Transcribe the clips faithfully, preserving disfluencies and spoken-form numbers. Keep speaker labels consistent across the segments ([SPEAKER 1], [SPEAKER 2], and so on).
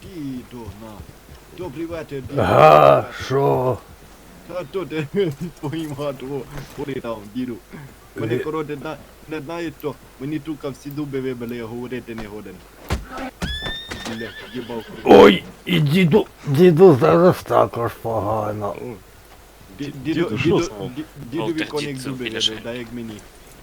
[SPEAKER 1] Діду, на. Добрий вечір, діду.
[SPEAKER 2] Ага, що?
[SPEAKER 1] Та то ти твоїм хату там, діду. Мене, коротше, на- не знаєш що, мені тука всі зуби вибили, я говорити не годен. Бля, їбав круг.
[SPEAKER 2] Ой, і діду, діду зараз також погано.
[SPEAKER 1] Ді-
[SPEAKER 3] Діду,
[SPEAKER 1] Діду,
[SPEAKER 3] що
[SPEAKER 1] діду,
[SPEAKER 3] стало?
[SPEAKER 1] ді- дідові
[SPEAKER 4] Волтер,
[SPEAKER 1] коник
[SPEAKER 4] дід,
[SPEAKER 1] зуби
[SPEAKER 4] біляше.
[SPEAKER 1] вибив, так як мені.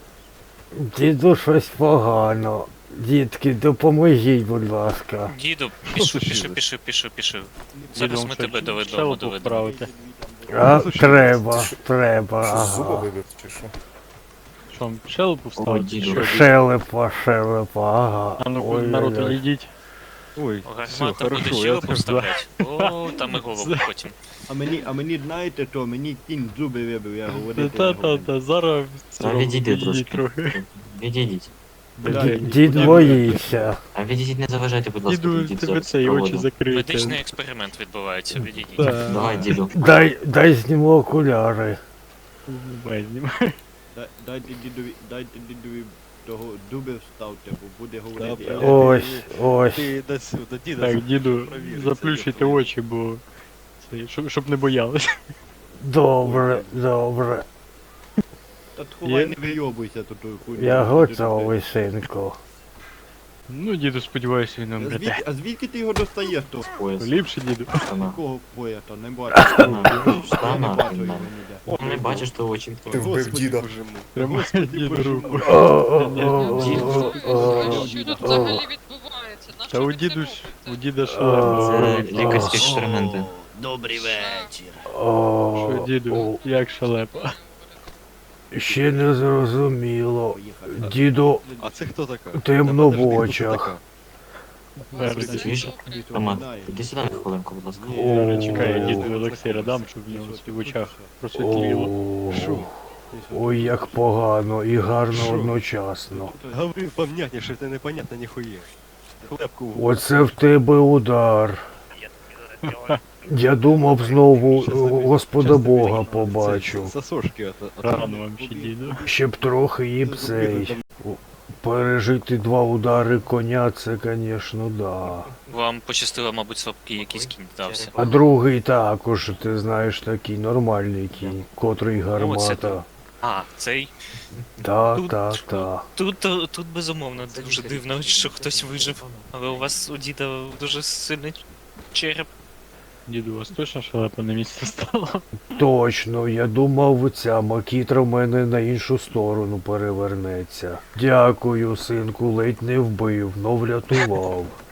[SPEAKER 2] Діду щось погано. Дітки, допоможіть, будь ласка.
[SPEAKER 4] Діду,
[SPEAKER 3] Що
[SPEAKER 4] пішов,
[SPEAKER 3] случилось?
[SPEAKER 4] пішов, пішов, пішов, пішов. Зараз ми тебе до додому
[SPEAKER 5] щелепу
[SPEAKER 4] доведемо.
[SPEAKER 5] вправити.
[SPEAKER 2] А, треба, треба,
[SPEAKER 3] Що, зуба
[SPEAKER 2] ага.
[SPEAKER 3] вибив чи що?
[SPEAKER 5] Що, вам щелепу вставити?
[SPEAKER 6] діду.
[SPEAKER 5] Що?
[SPEAKER 2] Шелепа, шелепа, ага.
[SPEAKER 5] А ну
[SPEAKER 2] Ой,
[SPEAKER 5] народ,
[SPEAKER 2] ой, ой.
[SPEAKER 5] йдіть.
[SPEAKER 3] Ой, все,
[SPEAKER 4] Гармата буде
[SPEAKER 3] хорошо, я
[SPEAKER 4] щелепу
[SPEAKER 3] теж
[SPEAKER 4] вставляти. О, там і голову потім.
[SPEAKER 1] А мені, а мені знаєте що, мені кінь зуби вибив, я говорити не годен.
[SPEAKER 5] Та-та-та, зараз...
[SPEAKER 6] Та відійди трошки.
[SPEAKER 5] трохи.
[SPEAKER 6] Відійдіть.
[SPEAKER 1] Блядь,
[SPEAKER 2] Дід боїться.
[SPEAKER 6] А відійдіть, не заважайте, будь ласка,
[SPEAKER 5] Діду,
[SPEAKER 6] відійдіть
[SPEAKER 5] тебе
[SPEAKER 6] зараз
[SPEAKER 5] це і очі
[SPEAKER 6] проводу.
[SPEAKER 5] закриті.
[SPEAKER 4] Медичний експеримент відбувається, відійдіть.
[SPEAKER 5] Так.
[SPEAKER 6] Давай, діду.
[SPEAKER 2] Дай, дай зніму окуляри.
[SPEAKER 5] Знімай, знімай.
[SPEAKER 1] Да- Дайте дідові, дайте дідові того зуби вставте, бо буде говорити.
[SPEAKER 3] Добре.
[SPEAKER 1] Я-
[SPEAKER 2] Ось, ось.
[SPEAKER 3] Ти йди сюди, діда.
[SPEAKER 5] Так, діду,
[SPEAKER 3] Провір,
[SPEAKER 5] заплющуйте
[SPEAKER 3] це є
[SPEAKER 5] очі, бо... Це, щоб, щоб не боялись.
[SPEAKER 2] Добре, добре.
[SPEAKER 1] Та ховай,
[SPEAKER 5] Є?
[SPEAKER 1] не вийобуйся тут тою хуйню.
[SPEAKER 2] Я готовий, синку.
[SPEAKER 5] Ну, діду, сподіваюся, він
[SPEAKER 1] А
[SPEAKER 5] нам
[SPEAKER 1] звідки,
[SPEAKER 5] бреде.
[SPEAKER 1] а звідки ти його достаєш то?
[SPEAKER 6] Пояс.
[SPEAKER 5] Ліпше, діду.
[SPEAKER 6] Штана.
[SPEAKER 1] Кого пояса? Не бачу.
[SPEAKER 6] Штана.
[SPEAKER 1] Я не
[SPEAKER 6] Штана.
[SPEAKER 1] бачу його ніде.
[SPEAKER 6] О, не бачиш, то очі.
[SPEAKER 3] Ти вбив діда.
[SPEAKER 5] Тримай діду руку.
[SPEAKER 2] О, о, о, о, о,
[SPEAKER 7] Що тут
[SPEAKER 2] о.
[SPEAKER 7] взагалі відбувається? На
[SPEAKER 5] Та
[SPEAKER 7] що
[SPEAKER 5] у
[SPEAKER 7] ви це
[SPEAKER 5] діду ж,
[SPEAKER 7] робите?
[SPEAKER 5] у діда
[SPEAKER 2] А.
[SPEAKER 5] шалем.
[SPEAKER 6] Це лікарські експерименти.
[SPEAKER 4] Добрий вечір.
[SPEAKER 2] О,
[SPEAKER 5] Що, діду, як шалепа?
[SPEAKER 2] ще не зрозуміло.
[SPEAKER 1] Поїхали.
[SPEAKER 2] Діду,
[SPEAKER 3] А це хто така?
[SPEAKER 2] темно в
[SPEAKER 3] Та подожди, хто
[SPEAKER 2] очах.
[SPEAKER 3] така?
[SPEAKER 5] Переді.
[SPEAKER 6] Чуєш?
[SPEAKER 1] Ніхто
[SPEAKER 6] Роман,
[SPEAKER 1] не знає.
[SPEAKER 6] іди сюди на хвилинку, будь ласка.
[SPEAKER 2] О.
[SPEAKER 5] Чекай, я діду Олексія дам, щоб в нього в очах просвітліло.
[SPEAKER 2] О,
[SPEAKER 3] Шо?
[SPEAKER 2] ой, як погано і гарно одночасно.
[SPEAKER 3] Говори понятніше, це непонятно ніхує. Хлебку в
[SPEAKER 2] Оце в тебе удар. Я думав знову е, Господа Бога побачу.
[SPEAKER 3] Сосошки от, от,
[SPEAKER 5] Рано вам ще, діду.
[SPEAKER 2] Щоб трохи і б цей. Пережити два удари коня, це, звісно, да.
[SPEAKER 4] Вам пощастило, мабуть, слабкий якийсь кінь дався.
[SPEAKER 2] А другий також, ти знаєш, такий нормальний кінь, котрий
[SPEAKER 4] О, це
[SPEAKER 2] гармата.
[SPEAKER 4] то. А, цей.
[SPEAKER 2] Та,
[SPEAKER 4] Тут-
[SPEAKER 2] та, та.
[SPEAKER 4] Тут, тут, тут безумовно дуже дивно, що хтось вижив. Але у вас у діда дуже сильний череп.
[SPEAKER 5] Діду, у вас точно шалепа на місце стала?
[SPEAKER 2] Точно, я думав, ця макітра в мене на іншу сторону перевернеться. Дякую, синку, ледь не вбив, но врятував.